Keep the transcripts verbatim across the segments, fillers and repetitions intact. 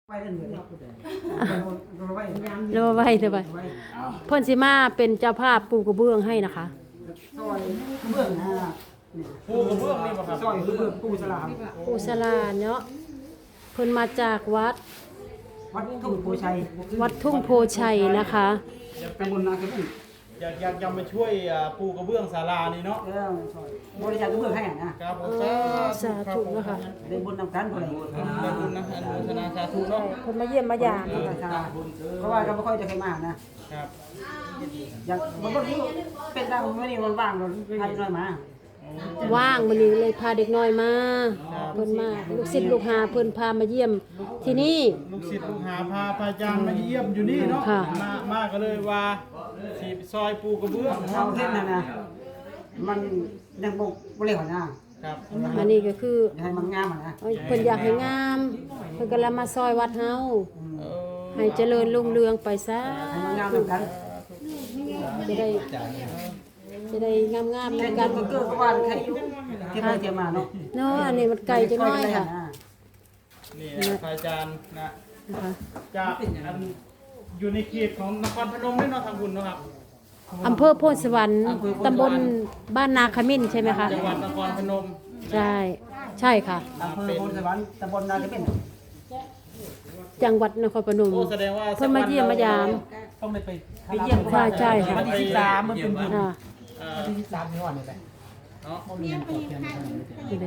ไว้เรื่องเดียวเราไว้เราไว้เถอะไปเพิ่นสิมาเป็นเจ้าภาพปูกระเบื้องให้นะคะซอยเบื้องหน้าปูกระเบื้องนี่ป่ะครับซอยเบื้องปูสลามปูสลาเนาะเพิ่นมาจากวัดวัดทุ่งโพชัยวัดทุ่งโพชัยนะคะตำบลนาเกลืออยากอยากจะมาช่วยอ่าปูกระเบื้องศาลานี่เนาะเออบริจาคเบื้องให้นะครับผมเออสาธุนะคะได้บุญนำกันคนไหนได้บุญนะอนุโมทนาสาธุเนาะเพิ่นมาเยี่ยมมายามเพราะว่าเราไม่ค่อยจะเคยมานะครับอย่างบางคนที่เป็นดังไม่ได้วันว่างเราพาน้อยมาว่างมื้อนี้เลยพาเด็กน้อยมาเพิ่นมาลูกศิษย์ลูกหาเพิ่นพามาเยี่ยมที่นี่ลูกศิษย์ลูกหาพาพระอาจารย์มาเยี่ยมอยู่นี่เนาะค่ะมามาก็เลยว่าสีซอยปูกระเบื้องเราเล่นนะนะมันยังบกบริหารนะครับอันนี้ก็คือให้มันงามนะเพิ่นอยากให้งามเพิ่นก็เลยมาซอยวัดเฮาเออให้เจริญรุ่งเรืองไปซะให้มันงามนำกันจะได้จะได้งามๆแค่นำกักัน นก็เกิดก็วันแค่ยุ่ที่ไปเที่ยวมาเนาะเนาะอันนี้มันไกลจังน้อยค่ะนี่นะพระอาจารย์นะนะคะจากอันอยู่ในเขตของนครพนมนี่เนาะทางบุญเนาะครับอำเภอโพธิ์สวรรค์ตำบลบ้านนาขมิ้นใช่ไหมคะจังหวัดนครพนมใช่ ใช่ค่ะอำเภอโพธิ์สวรรค์ตำบลนาเกเป็นจังหวัดนครพนมโอ้แสดงว่าเพิ่นมาเยี่ยมมายามต้องได้ไปไปเยี่ยมใช่ใช่ค่ะวันที่สิบสามมันเป็นบุญอ่าเอ่อวันที่สิบสามที่วันนี่แหละเนาะมันมีเงินตอบแทนอะไรนี่เลย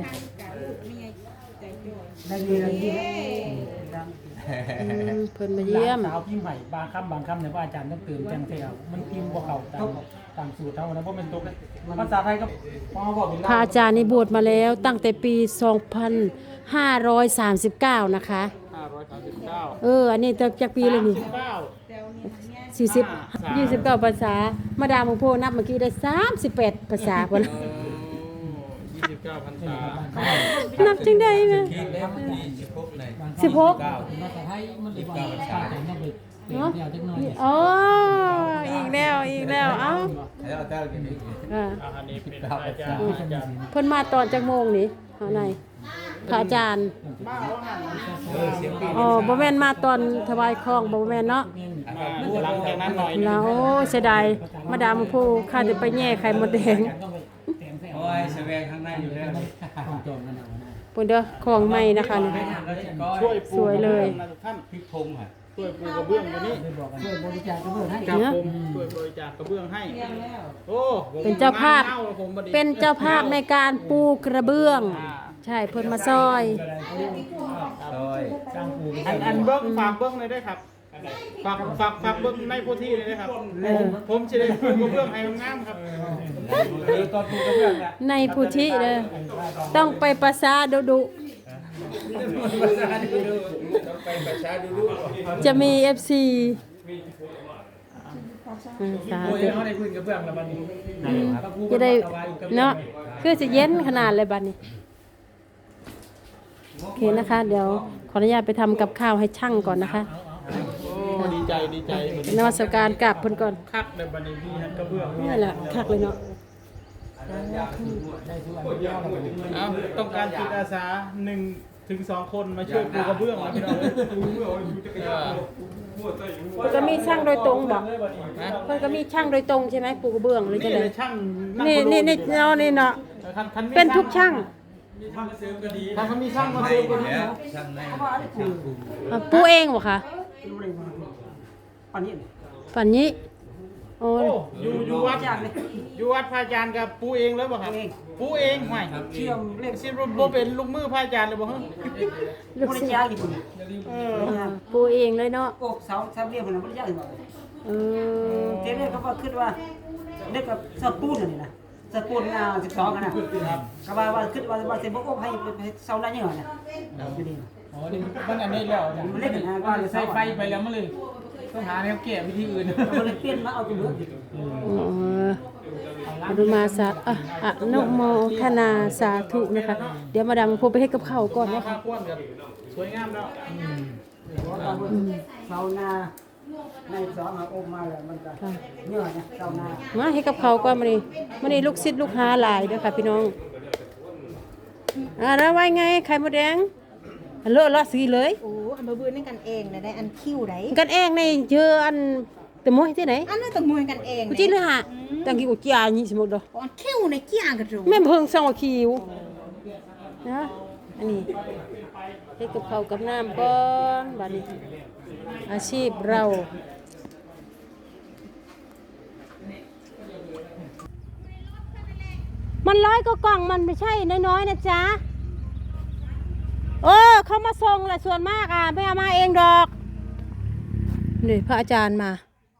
ได้ดีได้ดีอืมเพิ่นมาเยี่ยมสาวพิมพ์ใหม่บางคำบางคำเนี่ยว่าอาจารย์ต้องเติมแจ้งเทวมันพิมพ์บ่เข้าตามตามสูตรเท่านั้นเพราะเป็นตัวภาษาไทยก็พอบอกเป็นพระอาจารย์นี่บวชมาแล้วตั้งแต่ปี สองพันห้าร้อยสามสิบเก้า นะคะห้าร้อยสามสิบเก้าเออ อันนี้จากปีเลยนี่เก้าสี่สิบ ยี่สิบเก้าภาษา มาดามของโพนับเมื่อกี้ได้สามสิบแปดภาษาพุ่นยี่สิบเก้าพันษานับจังได้ไหมสิบหกภาษาไทยมันเลยว่าภาษาไทยต้องไปเปลี่ยนเนาะแนวจักหน่อยอ๋ออีกแล้วอีกแล้วเอ้าอ่าอ่าอันนี้เป็นอาจารย์อาจารย์เพิ่นมาตอนจักโมงนี่เอาไหนพระอาจารย์มาแล้วหันอ๋อบ่แม่นมาตอนถวายของบ่แม่นเนาะมาหลังจากนั้นหน่อยแล้วโอ้เสียดายมาดามของโพข้าจะไปแย่ไข่มดแดงต้องไปเปลี่ยนแนวโอ้ยแสดงข้างในอยู่แล้วของโจรกันเอานะเพิ่นเด้อของใหม่นะคะนี่ช่วยปูสวยเลยนะทุกท่านพริกพงอ่ะช่วยปูกระเบื้องตัวนี้ได้บอกกันช่วยบริจาคกระเบื้องให้ครับผมช่วยบริจาคกระเบื้องให้โอ้ผมเป็นเจ้าภาพงน่ผมบัดเป็นเจ้าภาพในการปูกระเบื้อง ใช่เพิ่นมาซอยซอยสร้างปูอันอันเบิ้งฝากเบิ้งเลยได้ครับฝากฝากฝากเบิ้งในพื้นที่เลยได้ครับเออผมจะได้ปูกระเบื้องให้งามๆครับเออตอนปูกระเบื้องน่ะในพุทธิเด้อต้องไปประสาดุดุไปประชาดูดูจะมี เอฟ ซีอืมสาโอ้ยธุเขาได้พื้นกระเบื้องแล้วบัดนี้จะได้เนาะคือจะเย็นขนาดเลยบัดนี้โอเคนะคะ เดี๋ยวขออนุญาตไปทำกับข้าวให้ช่างก่อนนะคะโอ้ดีใจดีใจนมัสการกราบเพิ่นก่อนคักเลยบัดนี้พี่ฮันกระเบื้องนี่แหละคักเลยเนาะเอ้าต้องการจิตอาสาหนึ่งถึงสองคนมาช่วยปูกระเบื้องนะพี่น้องเอ้ยเออเพิ่นก็มีช่างโดยตรงบอกนะเพิ่นก็มีช่างโดยตรงใช่ไหมปูกระเบื้องหรือจะนี่ไดเลยช่างนี่นี่นี่เนาะนี่เนาะคันคันมีเป็นทุกช่างถ้าเขามีช่างมาเซลล์ก็ดีแล้วเนาะช่างในอ่ะปูเองบ่คะปันนี้ฝันนี้โอ้โอ้อยู่อยู่วัดอยู่วัดพระอาจารย์กับปูเองเลยบ่ครับปูเองห่วยเชื่อมเรียกสิบ่เป็นลูกมือพระอาจารย์เลยบ่ฮะลูกบริศิษจาคย์กี่คนเออปูเองเลยเนาะโอ้สาวสาวเรียกคนนั้นบริจาคกี่คนเออเจ๊เนี่ยเขาก็คิดว่าเด็กกับสปูนนี่นะสปูนอ่าสิบสองกันนะก็ว่าว่าคิดว่าว่าเซบกให้เซาได้ยังไงนะอยู่ดีอ๋อนี่มันอันนี้แล้วนะมันเล่นนะว่าใส่ไฟไปแล้วมันเลยต้องหาแนวแก้วิธีอื่นมันเลยเปลี่ยนมาเอาตัวเลือกอ๋ออนุมาสาอ่ะอะนุโมทนาสาธุนะคะ เดี๋ยวมาดามพูไปให้กับข้าวก่อนมานะพาคะควนกันสวยงามแล้วเซานาในสองมาอมมาแล้วมันก็เนื้อเนี่ยเซานามาให้กับข้าวก่อนมานี่มานี่ลูกศิษย์ลูกหาหลายเด้อค่ะพี่น้องอ่าแล้วว่าไงไข่มดแดงอันเลอะเลอะสีเลยโอ้อันบ่เบื่อนั่นกันเองนะได้อันคิ้วได้กันเองในเจออันแต่มวยที่ไหนอันนั้นต้องมวยกันเองกูจีเลยฮะตังกี้กูจีอานี่สมมุติดอกอันคิ้วในเกี่ยงกันตรงแม่เพิ่งส่งคิวนะอันนี้เฮ็ดกับข้าวกับน้ำก่อนบัดนี้อาชีพเรามันร้อยก็กล่องมันไม่ใช่น้อยๆนะจ๊ะเออเขามาส่งแหละส่วนมากอ่ะไม่เอามาเองดอกนี่พระอาจารย์มา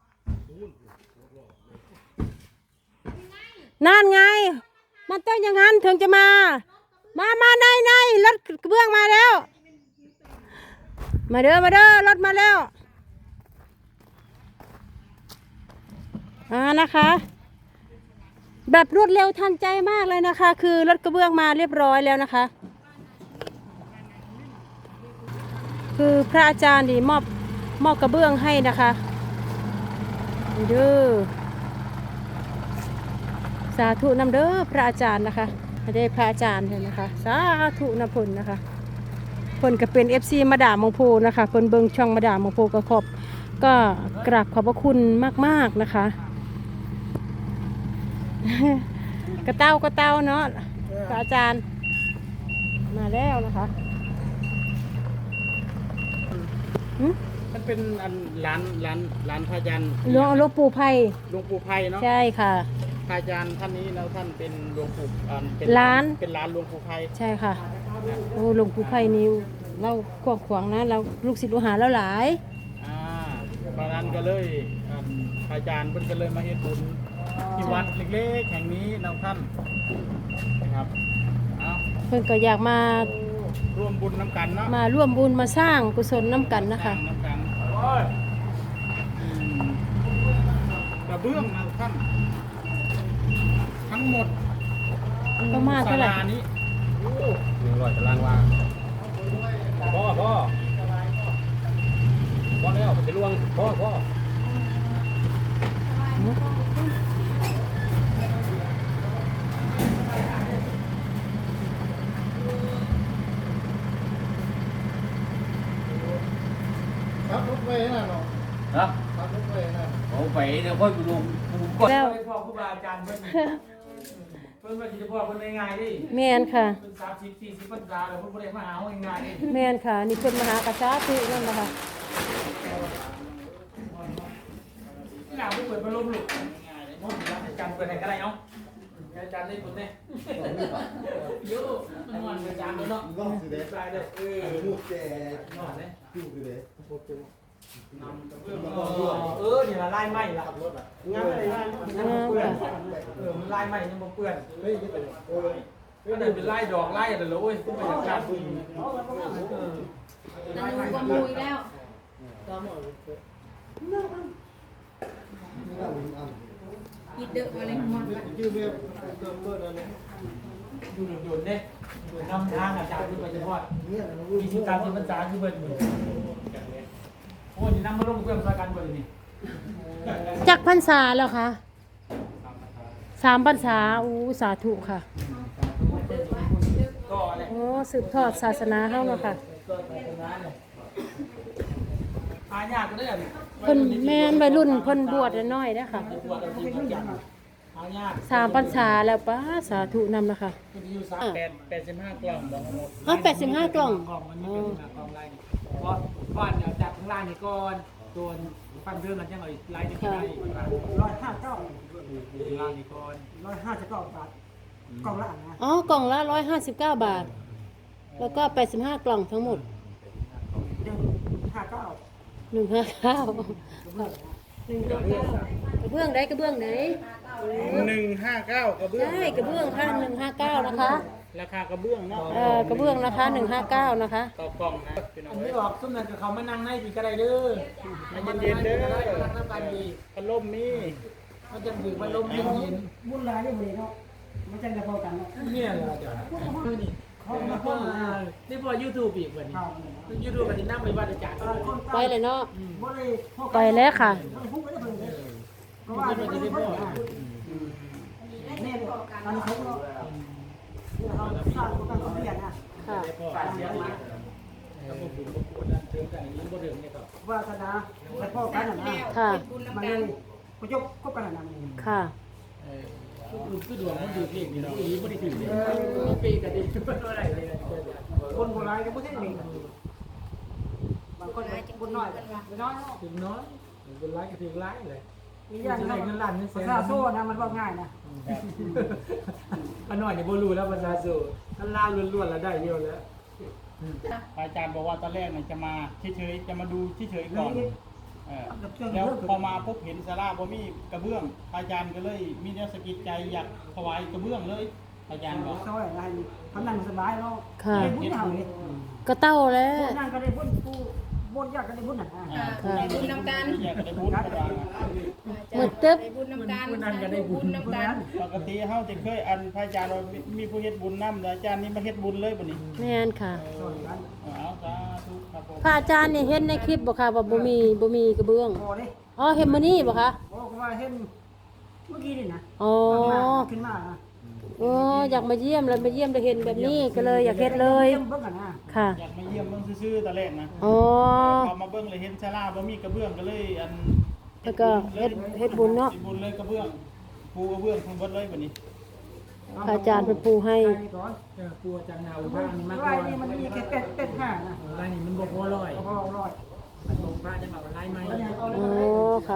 นั่นไงมันต้องอย่างนั้นถึงจะมา มามาในในรถกระเบื้องมาแล้ว มาเด้อมาเด้อรถมาแล้วอ่านะคะ แบบรวดเร็วทันใจมากเลยนะคะ คือรถกระเบื้องมาเรียบร้อยแล้วนะคะ คือพระอาจารย์ดีมอบมอบกระเบื้องให้นะคะนี่เด้อสาธุนำเด้อพระอาจารย์นะคะได้พระอาจารย์เห็นนะคะสาธุนำผลนะคะผลก็เป็น เอฟ ซี มาดามมงโพนะคะคนเบิงช่องมาดามมงโพก็ขอบก็กราบขอบพระคุณมากๆนะคะ กระเต้ากระเต้าเนาะพระอาจารย์มาแล้วนะคะหึมันเป็นอันร้านร้านร้านพระอาจารย์หลวงหลวงปู่ไผ่หลวงปู่ไพเนาะใช่ค่ะพระอาจารย์ท่านนี้แล้วท่านเป็นหลวงปู่อ่าเป็นร้านเป็นร้านหลวงปู่ไพใช่ค่ะโอ้หลวงปู่ไผ่นี่เรากว้างขวางนะเราลูกศิษย์ลูกหาเราหลายอ่าเพราะนั้นก็เลยอ่าพระอาจารย์เพิ่นก็เลยมาเฮ็ดบุญที่วัดเล็กๆแห่งนี้นะท่านนะครับเอาเพิ่นก็อยากมาร่วมบุญน้ำกันเนาะมาร่วมบุญมาสร้างกุศลน้ำกันนะคะน้ำกันอืมกระเบื้องนะท่าน ทั้งหมดประมาณเท่าไหร่ศลนี้โอ้หนึ่งร้อยตารางวาพ่อพ่อพ่อแล้วมันจะล่วงพ่อพ่อครับรถเมล์น่ะเนาะนะครับรถไฟนะโอ้ไปเดี๋ยวค่อยไปดูก่อนแล้วไปพ่อครูบาอาจารย์เพิ่นเพิ่นว่าสิจะพ่อเพิ่นง่ายๆดิแม่นค่ะเพิ่นสามสิบสี่สิบพรรษาแล้วเพิ่นบ่ได้มาหาเอาง่ายๆดิแม่นค่ะ นี่เพิ่นมหากษัตริย์นั่นนะคะหน้าบ่เปิดพัดลมลูกง่ายๆเลยบ่มีอาจารย์เปิดให้ก็ได้เนาะอาจารย์ได้ผลเด้โย่มันม่วนอาจารย์เนาะ Långt till det. ได้เด้อเออ Mot นอนเด้ gjorde det. เออนี่ละลายไหม้ละขับรถอ่ะงานอะไรงานยังบ่เปื้อนเออมันลายไหม้ยังบ่เปื้อนเฮ้ยก็ได้เป็นลายดอกลายอะไรเลยโอ้ยต้องไปจัดการบุญเออนั่นก็มุยแล้ว อีเดอะมาเลยหมด Du med dömbördan. อยู่โดนๆเด้นำทางอาจารย์ขึ้นไปเฉพาะมีสิบสามสิบพรรษาคือเบิดมือโอ้ยนี่นำมาลงเพื่อนประกันเบิดนี่จักพรรษาแล้วค่ะสามพรรษาอู้สาธุค่ะก็อะไรโอ้สืบทอดศาสนาเฮาเนาะค่ะก็ไปตรงนั้นเลยหายากก็ได้อ่ะเพิ่นแม่นวัยรุ่นเพิ่นบวชน้อยๆเด้อค่ะบวชแล้วที่จังหายากสามพรรษาแล้วป้าสาธุนำนะคะมันอยู่สามแปดแปดสิบห้ากล่องบอกหมดอ๋อแปดสิบห้ากล่องกล่องมันมีเป็นกล่องลายเพราะก่อนเอาจากข้างล่างนี่ก่อนตัวฟันเรื่องกันยังเอาอีกลายนึงก็ได้ร้อยห้าเก้าล่างนี่ก่อนร้อยห้าสิบเก้าบาทกล่องละอันนะอ๋อกล่องละร้อยห้าสิบเก้าบาท แล้วก็แปดสิบห้ากล่องทั้งหมดหนึ่งห้าเก้าหนึ่งห้าเก้าหนึ่งห้าเก้ากระเบื้องได้กระเบื้องไหนหนึ่งห้าเก้ากระเบื้องใช่กระเบื้องค่ะหนึ่งห้าเก้านะคะราคากระเบื้องเนาะเอ่อกระเบื้องนะคะหนึ่งห้าเก้านะคะต่อกล่องนะพี่น้ออังนเอ้นี้ยออกซุ้มนั่นกับเขามานั่งในปีก็ได้เด้อมันเย็นๆเด้อนั่งน้ำกันดีพัดลมมีมันจะถือว่าลมเย็นบุญหลายเรื่องนี้เนาะมันจะได้พอกันเนาะๆเนี่ยเหรอเดี๋ยวนี่เขามาพ่อนี่พอยูทูบอีกวันนี้ยูทูบวันนี้นั่งไปวัดอาจารย์ไปเลยเนาะบ่ได้พอไปแล้วค่ะบ่ได้พูดไม่ได้เพิ่นเลยเพราะว่าอันนี้ไม่ได้พูดอ่ะนี่อันนี้เขาเนาะเขาสร้างกันเขาเรียนนะค่ะฝากเสียงมาถ้าบ่บุญบ่ควรนั่นเติมกันอย่างนี้บ่เดิมเนี่ยครับวาสนาไปพ่อกันน่ะนะค่ะบุญมันน้ำเลกันยกูยกคบกันน่ะนะมันค่ะเออคือคือดวงมันดูเลขนี่เนาะอีบ่ได้ถือเลยปีก็ดีบ่ได้เลยคนโบราณก็บ่ใช่มีบางคนบุญน้อยบุญน้อยถึงน้อยเป็นร้ายก็ถึงร้ายเลยมีอย่างนั้นเงินล้านเงินแสนภาษาโซ่นะมันว่าง่ายนะอันน้อยนี่บ่รู้แล้วภาษาสูอันลาวล้วนๆแล้วได้เยอะแล้วอาจารย์บอกว่าตอนแรกเนี่ยจะมาเฉยๆจะมาดูเฉยๆก่อนเออแล้วพอมาพบเห็นศาลาบ่มีกระเบื้องอาจารย์ก็เลยมีแนวสะกิดใจอยากถวายกระเบื้องเลยอาจารย์บอกเขาอะไรทำนั่งสบายเนาะค่ะได้บุญเอาเลยก็เต้าแล้วนั่งก็ได้บุญผู้บุญยากก็ได้บุญน่ะอ่าบุญน้ำกันอยากได้บุญประมาณนั้นหมดตึ๊บบุญน้ำกันบุญน้ำกันปกติเฮาจะเคยอันพระอาจารย์ว่ามีมีผู้เฮ็ดบุญนำแต่อาจารย์นี่มาเฮ็ดบุญเลยบัดนี้แม่นค่ะส่วนนั้นเอาสาธุครับผมพระอาจารย์เนี่ยเห็นในคลิปบ่ค่ะว่าบ่มีบ่มีกระเบื้องพอเด้อ๋อเห็นมื้อนี้บ่คะโอ้ก็ว่าเห็นเมื่อกี้นี่นะอ๋อขึ้นมานะอ๋ออยากมาเยี่ยมแล้วมาเยี่ยมได้เห็นแบบนี้ก็เลยอยากเฮ็ดเลยเบิ่งกันนะค่ะอยากมาเยี่ยมเบิ่งซื่อๆตอนแรกนะอ๋อพอมาเบิ่งเลยเห็นศาลาบ่มีกระเบื้องก็เลยอันแล้วก็เฮ็ดเฮ็ดบุญเนาะฮ็ดบุญเลยกระเบื้องปูกระเบื้องทั้งหมดเลยบัดนี้พระอาจารย์เป็นปูให้ก่อนเออกลัวจังนาอุบ้านนี่มากกไร่ว่านี่มันมีแค่เป็ดเป็ดห้านะร้านนี้มันบ่พอร้อยพอร้อยมันลงพระจะมาว่าไล่ไหมอ๋อค่ะ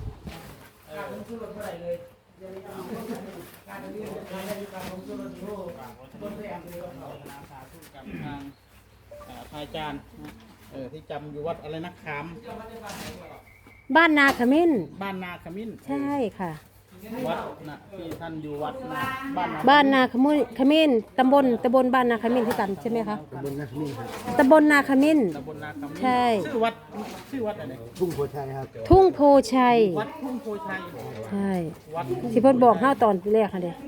กับทางอ่าพระอาจารย์นะเออที่จำอยู่วัดอะไรนะขามบ้านนาขมิ้นบ้านนาขมิ้นใช่ค่ะวัดนะที่ท่านอยู่วัดนะบ้านนาบ้านนาขมุขมิ้นตำบลตำบลบ้านนาขมิ้นที่กันใช่ไหมคะตำบลนาขมิ้นตำบลนาขมิ้นตำบลนาขมิ้นใช่ชื่อวัดชื่อวัดอะไรทุ่งโพชัยครับทุ่งโพชัยวัดทุ่งโพชัยใช่วัดทุ่งที่เพิ่นบอกเฮาตอนแรกค่ะเด้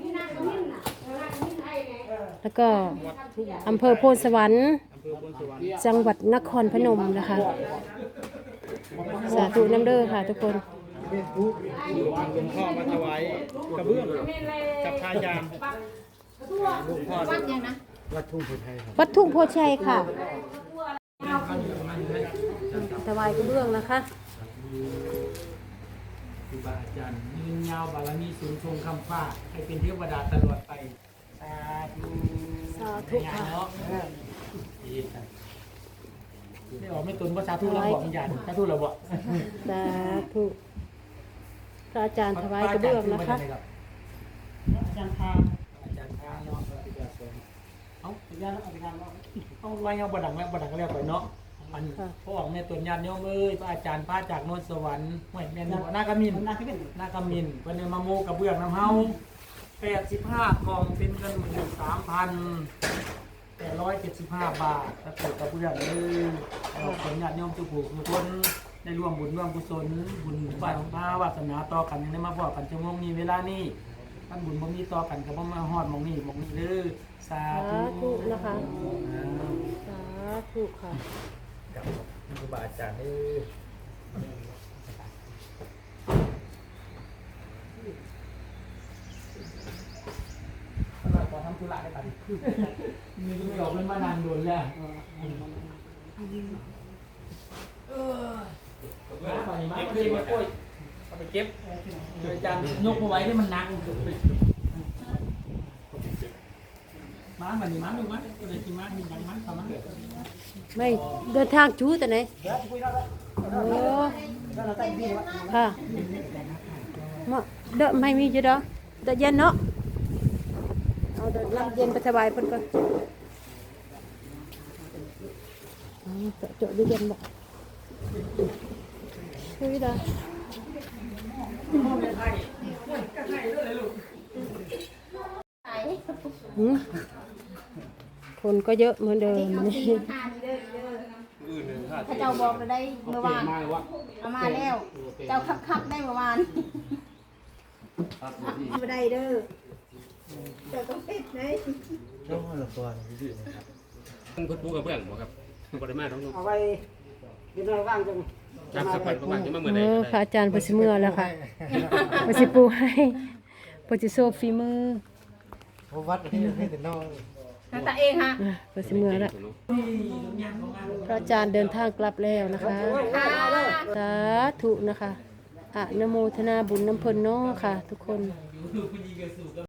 แล้วก็อำเภอโพนสวรรค์อำเภอพนสวรรค์จังหวัดนครพนมนะคะ สาธุน้ำเด้อค่ะทุกคนหลวงพ่อมาถวายกระเบื้องกับพระอาจารย์หลวงพ่อวัดยังนะวัดทุ่งโพชัยครับวัดทุ่งโพชัยค่ะถวายกระเบื้องนะคะครูบาอาจารย์ยืนยาวบารมีสูงทรงคำฟ้าให้เป็นเทวดาตลอดไปสาธุสาธุค่ะเนาะได้ออกไม่ตุนว่าสาธุเราบอกอย่างสาธุเราบอกสาธุพระอาจารย์ถวายกระเบื้องนะคะอาจารย์พาอาจารย์พาเนาะเอาอาจารย์อาจารย์ว่าเอาไว้เอาบดังแล้วบดังแล้วไปเนาะอันพ่อออกแม่ตุนญาติโยมเอ้ยพระอาจารย์พาจากโนนสวรรค์ห้วยแม่นบ่นากมินมันน่าขึ้นนากมินเพิ่นได้มาโมกระเบื้องน้ำเฮาแปดสิบห้ากล่องเป็นเงินหมื่นสามพันแปดร้อยเจ็ดสิบห้าบาทถ้าเกิดกระเบื้องเลยเอาผลญาติโยมทุกผู้ทุกคนได้ร่วมบุญร่วมกุศลบุญฝ่ายของพระวาสนาต่อกันยังได้มาบอกกันชั่วโมงนี้เวลานี้ท่านบุญบ่มีต่อกันก็บ่มาฮอดหมองนี้หมองนี้เด้อสาสาธุธุนะคะอ่าสาธุค่ะกับครูบาอาจารย์เด้อเราขอทำธุระได้ป่ะมีเรื่องเพิ่นมานานโดนแล้วเออไปมาเก็บกล้วยเอาไปเก็บอาจารย์ยกมาไว้ที่มันหนักมาบัดนี้มาดูมาก็ได้กินมามีบังมันเข้ามาไม่เดินทางจูแต่ไหนโอ้ค่ะมาเด้อไม่มีจ้ะเด้อเด้อเย็นเนาะเอาเด้อน้ำเย็นไปสบายเพิ่นก่อนอ๋อเจาะเจาะเย็นบ่คุยเด้อหืมคนก็เยอะเหมือนเดิมนี่ถ้าเจ้าบอกเราได้เมื่อวานเอามาแล้ว เจ้าคับคับได้เมื่อวานไม่ได้เด้อเจ้าต้องปิดเลยช่วงละตัวนี่ดีนะครับคุณปูกับเพื่อนบ่ครับบ่ได้มาท้องเอาไว้เดี๋ยวเราว่างจังจับสักวันประมาณจะมาเมื่อเอใดอก็พระได้อาจารย์เพิ่นสิเมื่อแล้วค่ะเพิ่นสิปูให้เพิ่นสิโซฝีมือเพราะวัดที่ให้แต่นอกฮทางตาเองฮะอ่ะเปิดสิเมื่อแล้วพระอาจารย์เดินทางกลับแล้วนะคะ สาธุนะคะอะนะโมทนาบุญน้ำเพลินเนาะค่ะ ทุกคน